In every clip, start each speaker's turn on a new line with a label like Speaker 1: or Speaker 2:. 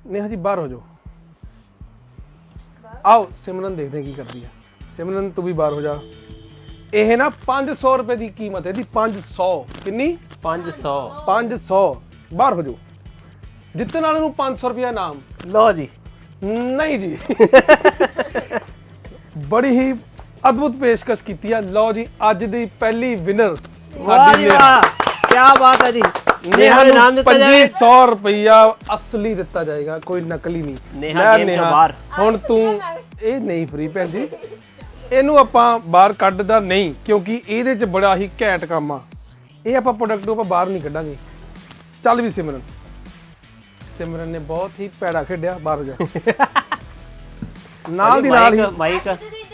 Speaker 1: नेहा जी बाहर हो जाओ। आओ सिमरन देखते हैं की करती है। सिमरन तू भी बाहर हो जा। ਇਹ ਨਾ 500 ਰੁਪਏ ਦੀ ਕੀਮਤ ਹੈ ਦੀ 500 ਕਿੰਨੀ 500 ਬਾਹਰ ਹੋ ਜਾਓ। ਜਿੱਤਣ ਵਾਲੇ ਨੂੰ 500 ਰੁਪਏ ਇਨਾਮ।
Speaker 2: ਲਓ ਜੀ।
Speaker 1: ਨਹੀਂ ਜੀ ਬੜੀ ਹੀ ਅਦਭੁਤ ਪੇਸ਼ਕਸ਼ ਕੀਤੀ ਹੈ। ਲਓ ਜੀ ਅੱਜ ਦੀ ਪਹਿਲੀ ਵਿਨਰ ਸਾਡੀ
Speaker 2: ਨੇਹਾ। ਕੀ ਬਾਤ ਹੈ ਜੀ।
Speaker 1: ਨੇਹਾ ਨੂੰ ਇਨਾਮ ਦਿੱਤਾ ਜਾਏਗਾ 2500 ਰੁਪਇਆ ਅਸਲੀ ਦਿੱਤਾ ਜਾਏਗਾ, ਕੋਈ ਨਕਲੀ ਨਹੀਂ।
Speaker 2: ਨੇਹਾ ਗੇਮ ਤੋਂ ਬਾਹਰ।
Speaker 1: ਹੁਣ ਤੂੰ ਇਹ ਨਹੀਂ ਫ੍ਰੀ ਭੈਣ ਜੀ, ਇਹਨੂੰ ਆਪਾਂ ਬਾਹਰ ਕੱਢਦਾ ਨਹੀਂ ਕਿਉਂਕਿ ਇਹਦੇ ਚ ਬੜਾ ਹੀ ਘੈਂਟ ਕੰਮ ਆ। ਇਹ ਆਪਾਂ ਪ੍ਰੋਡਕਟ ਨੂੰ ਆਪਾਂ ਬਾਹਰ ਨਹੀਂ ਕੱਢਾਂਗੇ। ਚੱਲ ਵੀ ਸਿਮਰਨ, ਸਿਮਰਨ ਨੇ ਬਹੁਤ ਹੀ ਪੈੜਾ ਖੇਡਿਆ। ਬਾਹਰ ਹੋ ਜਾ। ਨਾਲ ਦੀ ਨਾਲ ਹੀ
Speaker 2: ਮਾਈਕ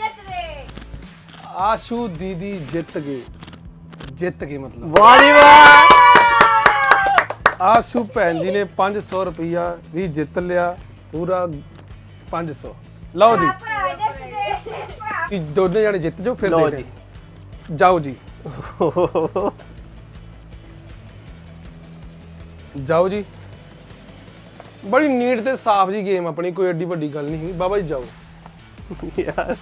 Speaker 1: ਆਸ਼ੂ ਦੀਦੀ ਜਿੱਤ ਗਏ। ਜਿੱਤ ਗਏ ਮਤਲਬ
Speaker 2: ਵਾਹ ਜੀ ਵਾਹ।
Speaker 1: ਆਸ਼ੂ ਭੈਣ ਜੀ ਨੇ 500 ਰੁਪਇਆ ਵੀ ਜਿੱਤ ਲਿਆ, ਪੂਰਾ 500। ਲਓ ਜੀ ਦੋਨੇ ਜਾਣੇ ਜਿੱਤ ਜਾਓ ਫਿਰ ਦੇਖਦੇ ਜਾਓ ਜੀ। ਜਾਓ ਜੀ। ਬੜੀ ਨੀਟ ਤੇ ਸਾਫ਼ ਜੀ ਗੇਮ ਆਪਣੀ, ਕੋਈ ਐਡੀ ਵੱਡੀ ਗੱਲ ਨਹੀਂ ਬਾਬਾ ਜੀ। ਜਾਓ
Speaker 2: ਯਾਰ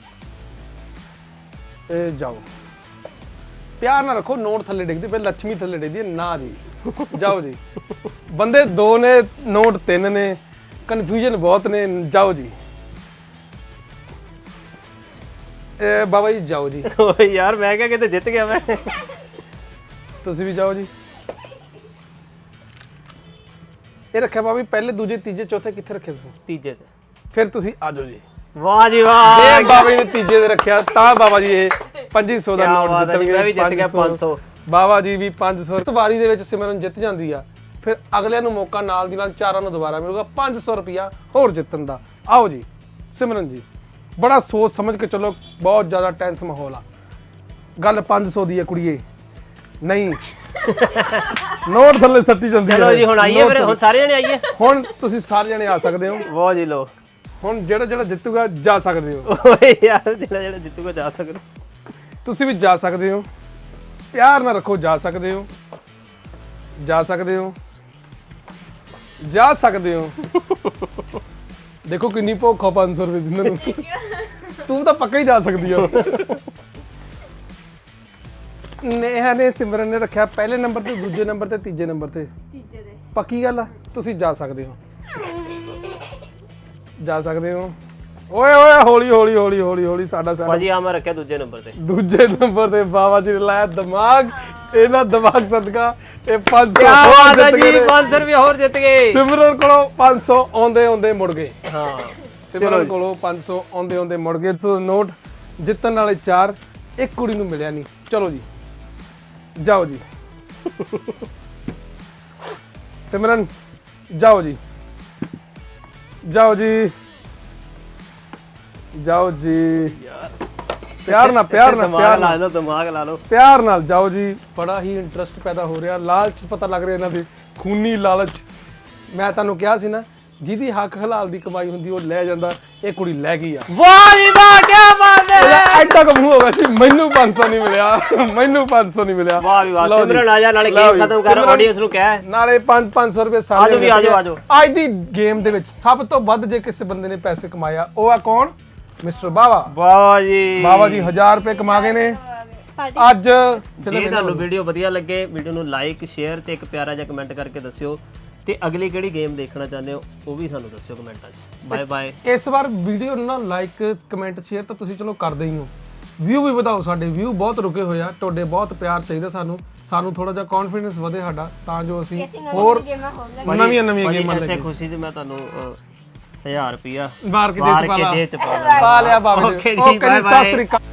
Speaker 1: ਇਹ ਜਾਓ, ਪਿਆਰ ਨਾਲ ਰੱਖੋ। ਨੋਟ ਥੱਲੇ ਡਿੱਗਦੇ ਪਏ, ਲక్ష్ਮੀ ਥੱਲੇ ਡਿੱਗਦੀ ਹੈ ਨਾ ਜੀ। ਜਾਓ ਜੀ। ਬੰਦੇ 2 ਨੇ, ਨੋਟ 3 ਨੇ, ਕਨਫਿਊਜ਼ਨ ਬਹੁਤ ਨੇ। ਜਾਓ ਜੀ। ਬਾਬਾ ਜੀ ਜਾਓ ਜੀ।
Speaker 2: ਓਏ ਯਾਰ ਮੈਂ ਕਿਹਾ ਕਿਤੇ ਜਿੱਤ ਗਿਆ ਮੈਂ।
Speaker 1: ਤੁਸੀਂ ਵੀ ਜਾਓ ਜੀ। ਇਹ ਰੱਖਿਆ ਬਾਬਾ ਜੀ ਪਹਿਲੇ, ਦੂਜੇ, ਤੀਜੇ, ਚੌਥੇ ਕਿੱਥੇ ਰੱਖੇ ਤੁਸੀਂ?
Speaker 2: ਤੀਜੇ ਤੇ।
Speaker 1: ਫਿਰ ਤੁਸੀਂ ਆ ਜਾਓ ਜੀ।
Speaker 2: ਵਾਹ ਜੀ ਵਾਹ।
Speaker 1: ਇਹ ਬਾਬਾ ਜੀ ਨੇ ਤੀਜੇ ਤੇ ਰੱਖਿਆ ਤਾਂ ਬਾਬਾ ਜੀ ਇਹ 2500 ਦਾ ਨੋਟ ਜਿੱਤਣਗੇ।
Speaker 2: ਮੈਂ ਵੀ ਜਿੱਤ ਗਿਆ 500।
Speaker 1: ਬਾਬਾ ਜੀ ਵੀ 500। ਇਸ ਵਾਰੀ ਦੇ ਵਿੱਚ ਸਿਮਰਨ ਜਿੱਤ ਜਾਂਦੀ ਆ, ਫਿਰ ਅਗਲਿਆਂ ਨੂੰ ਮੌਕਾ ਨਾਲ ਦੀ ਨਾਲ 4 ਨੂੰ ਦੁਬਾਰਾ ਮਿਲੂਗਾ 500 ਰੁਪਇਆ ਹੋਰ ਜਿੱਤਣ ਦਾ। ਆਓ ਜੀ ਸਿਮਰਨ ਜੀ, ਬੜਾ ਸੋਚ ਸਮਝ ਕੇ ਚਲੋ, ਬਹੁਤ ਜ਼ਿਆਦਾ ਟੈਂਸ ਮਾਹੌਲ ਆ। ਗੱਲ 500 ਦੀ ਹੈ ਕੁੜੀਏ, ਨਹੀਂ ਨੋਟ ਥੱਲੇ ਸੱਟੀ ਜਾਂਦੀ ਹੈ।
Speaker 2: ਚਲੋ ਜੀ ਹੁਣ ਆਈਏ ਫਿਰ, ਹੁਣ ਸਾਰੇ ਜਣੇ ਆਈਏ।
Speaker 1: ਹੁਣ ਤੁਸੀਂ ਸਾਰੇ ਜਣੇ ਆ ਸਕਦੇ ਹੋ।
Speaker 2: ਵਾਹ ਜੀ ਲੋ।
Speaker 1: ਹੁਣ ਜਿਹੜਾ ਜਿੱਤੂਗਾ ਜਾ ਸਕਦੇ ਹੋ।
Speaker 2: ਓਏ ਯਾਰ ਜਿਹੜਾ ਜਿੱਤੂਗਾ ਜਾ ਸਕਦਾ।
Speaker 1: ਤੁਸੀਂ ਵੀ ਜਾ ਸਕਦੇ ਹੋ। ਪਿਆਰ ਨਾਲ ਰੱਖੋ, ਜਾ ਸਕਦੇ ਹੋ। ਜਾ ਸਕਦੇ ਹੋ। ਜਾ ਸਕਦੇ ਹੋ। ਦੇਖੋ ਕਿੰਨੀ ਭੁੱਖ ਆ 500 ਰੁਪਏ ਦਿੰਦੇ ਨੂੰ। ਤੂੰ ਤਾਂ ਪੱਕਾ ਹੀ ਜਾ ਸਕਦੀ ਆ। ਨੇਹਾ ਨੇ, ਸਿਮਰਨ ਨੇ ਰੱਖਿਆ ਪਹਿਲੇ ਨੰਬਰ ਤੇ, ਦੂਜੇ ਨੰਬਰ ਤੇ, ਤੀਜੇ ਨੰਬਰ ਤੇ। ਤੀਜੇ ਤੇ ਪੱਕੀ ਗੱਲ ਆ। ਤੁਸੀਂ ਜਾ ਸਕਦੇ ਹੋ। ਜਾ ਸਕਦੇ ਹੋ। ਓਏ ਓਏ ਹੌਲੀ ਹੌਲੀ ਹੌਲੀ ਹੌਲੀ ਹੌਲੀ। ਸਾਡਾ
Speaker 2: ਭਾਜੀ ਆ ਮੈਂ ਰੱਖਿਆ ਦੂਜੇ ਨੰਬਰ ਤੇ।
Speaker 1: ਦੂਜੇ ਨੰਬਰ ਤੇ ਬਾਬਾ ਜੀ ਨੇ ਲਾਇਆ ਦਿਮਾਗ। ਇਹਨਾਂ ਦਿਮਾਗ ਸਦਕਾ ਇਹ 500
Speaker 2: ਜੀ 500 ਰੁਪਏ ਹੋਰ ਜਿੱਤ ਗਏ।
Speaker 1: ਸਿਮਰਨ ਕੋਲੋਂ 500 ਆਉਂਦੇ ਆਉਂਦੇ ਮੁੜ ਗਏ।
Speaker 2: ਹਾਂ
Speaker 1: ਸਿਮਰਨ ਕੋਲੋਂ 500 ਆਉਂਦੇ ਆਉਂਦੇ ਮੁੜ ਗਏ। ਸੋ ਨੋਟ ਜਿੱਤਣ ਵਾਲੇ 4, ਇੱਕ ਕੁੜੀ ਨੂੰ ਮਿਲਿਆ ਨਹੀਂ। ਚਲੋ ਜੀ ਜਾਓ ਜੀ। ਸਿਮਰਨ ਜਾਓ ਜੀ। ਜਾਓ ਜੀ। ਜਾਓ ਜੀ। ਪਿਆਰ ਨਾਲ ਪਿਆਰ ਨਾਲ ਪਿਆਰ
Speaker 2: ਲਾ ਲਓ, ਦਿਮਾਗ ਲਾ ਲਓ।
Speaker 1: ਪਿਆਰ ਨਾਲ ਜਾਓ ਜੀ। ਬੜਾ ਹੀ ਇੰਟਰਸਟ ਪੈਦਾ ਹੋ ਰਿਹਾ, ਲਾਲਚ ਪਤਾ ਲੱਗ ਰਿਹਾ ਇਹਨਾਂ ਦੇ, ਖੂਨੀ ਲਾਲਚ। ਮੈਂ ਤੁਹਾਨੂੰ ਕਿਹਾ ਸੀ ਨਾ, ਜਿਹਦੀ ਹੱਕ ਹਲਾਲ ਦੀ ਕਮਾਈ ਹੁੰਦੀ ਉਹ ਲੈ ਜਾਂਦਾ। ਇਹ ਕੁੜੀ ਲੈ ਗਈ ਆ।
Speaker 2: ਵਾਹ ਜੀ ਵਾਹ, ਕੀ ਬਾਤ ਹੈ।
Speaker 1: ਐਡਾ ਕਮ ਹੋ ਗਿਆ ਸੀ, ਮੈਨੂੰ 500 ਨਹੀਂ ਮਿਲਿਆ। ਮੈਨੂੰ 500 ਨਹੀਂ ਮਿਲਿਆ।
Speaker 2: ਵਾਹ ਵੀ ਵਾਹ। ਸਿਮਰਨ ਆ ਜਾ, ਨਾਲੇ ਗੇਮ ਖਤਮ ਕਰ, ਆਡੀਅנס ਨੂੰ ਕਹਿ।
Speaker 1: ਨਾਲੇ 500 ਰੁਪਏ ਸਾਰੇ।
Speaker 2: ਆਜੋ ਵੀ ਆਜੋ ਆਜੋ।
Speaker 1: ਅੱਜ ਦੀ ਗੇਮ ਦੇ ਵਿੱਚ ਸਭ ਤੋਂ ਵੱਧ ਜੇ ਕਿਸੇ ਬੰਦੇ ਨੇ ਪੈਸੇ ਕਮਾਇਆ, ਉਹ ਆ ਕੌਣ? ਮਿਸਟਰ ਬਾਵਾ।
Speaker 2: ਵਾਹ ਜੀ।
Speaker 1: ਬਾਵਾ ਜੀ 1000 ਰੁਪਏ ਕਮਾ ਗਏ ਨੇ ਅੱਜ।
Speaker 2: ਜੇ ਤੁਹਾਨੂੰ ਵੀਡੀਓ ਵਧੀਆ ਲੱਗੇ, ਵੀਡੀਓ ਨੂੰ ਲਾਈਕ, ਸ਼ੇਅਰ ਤੇ ਇੱਕ ਪਿਆਰਾ ਜਿਹਾ ਕਮੈਂਟ ਕਰਕੇ ਦੱਸਿਓ। ਤੇ ਅਗਲੀ ਕਿਹੜੀ ਗੇਮ ਦੇਖਣਾ ਚਾਹੁੰਦੇ ਹੋ ਉਹ ਵੀ ਸਾਨੂੰ ਦੱਸਿਓ ਕਮੈਂਟਾਂ 'ਚ। Bye bye.
Speaker 1: ਇਸ ਵਾਰ ਵੀਡੀਓ ਨੂੰ ਨਾ ਲਾਈਕ, ਕਮੈਂਟ, ਸ਼ੇਅਰ ਤਾਂ ਤੁਸੀਂ ਚਲੋ ਕਰਦੇ ਹੀ ਹੋ। ਵਿਊ ਵੀ ਵਧਾਓ। ਸਾਡੇ ਵਿਊ ਬਹੁਤ ਰੁਕੇ ਹੋਏ ਆ। ਤੁਹਾਡੇ ਬਹੁਤ ਪਿਆਰ ਚਾਹੀਦਾ ਸਾਨੂੰ ਥੋੜਾ ਜਿਹਾ ਕੌਨਫੀਡੈਂਸ ਵਧੇ ਸਾਡਾ, ਤਾਂ ਜੋ ਅਸੀਂ ਹੋਰ ਨਵੀਆਂ ਗੇਮਾਂ ਲੈ ਕੇ।
Speaker 2: ਐਸੇ ਖੁਸ਼ੀ 'ਚ ਮੈਂ ਤੁਹਾਨੂੰ 1000 ਰੁਪਇਆ
Speaker 1: ਮਾਰ ਕੇ ਦੇ ਚ ਪਾ
Speaker 2: ਪਾ
Speaker 1: ਲਿਆ ਬਾਬਾ ਜੀ। ਓਕੇ ਜੀ, ਸਤਿ ਸ੍ਰੀ ਅਕਾਲ।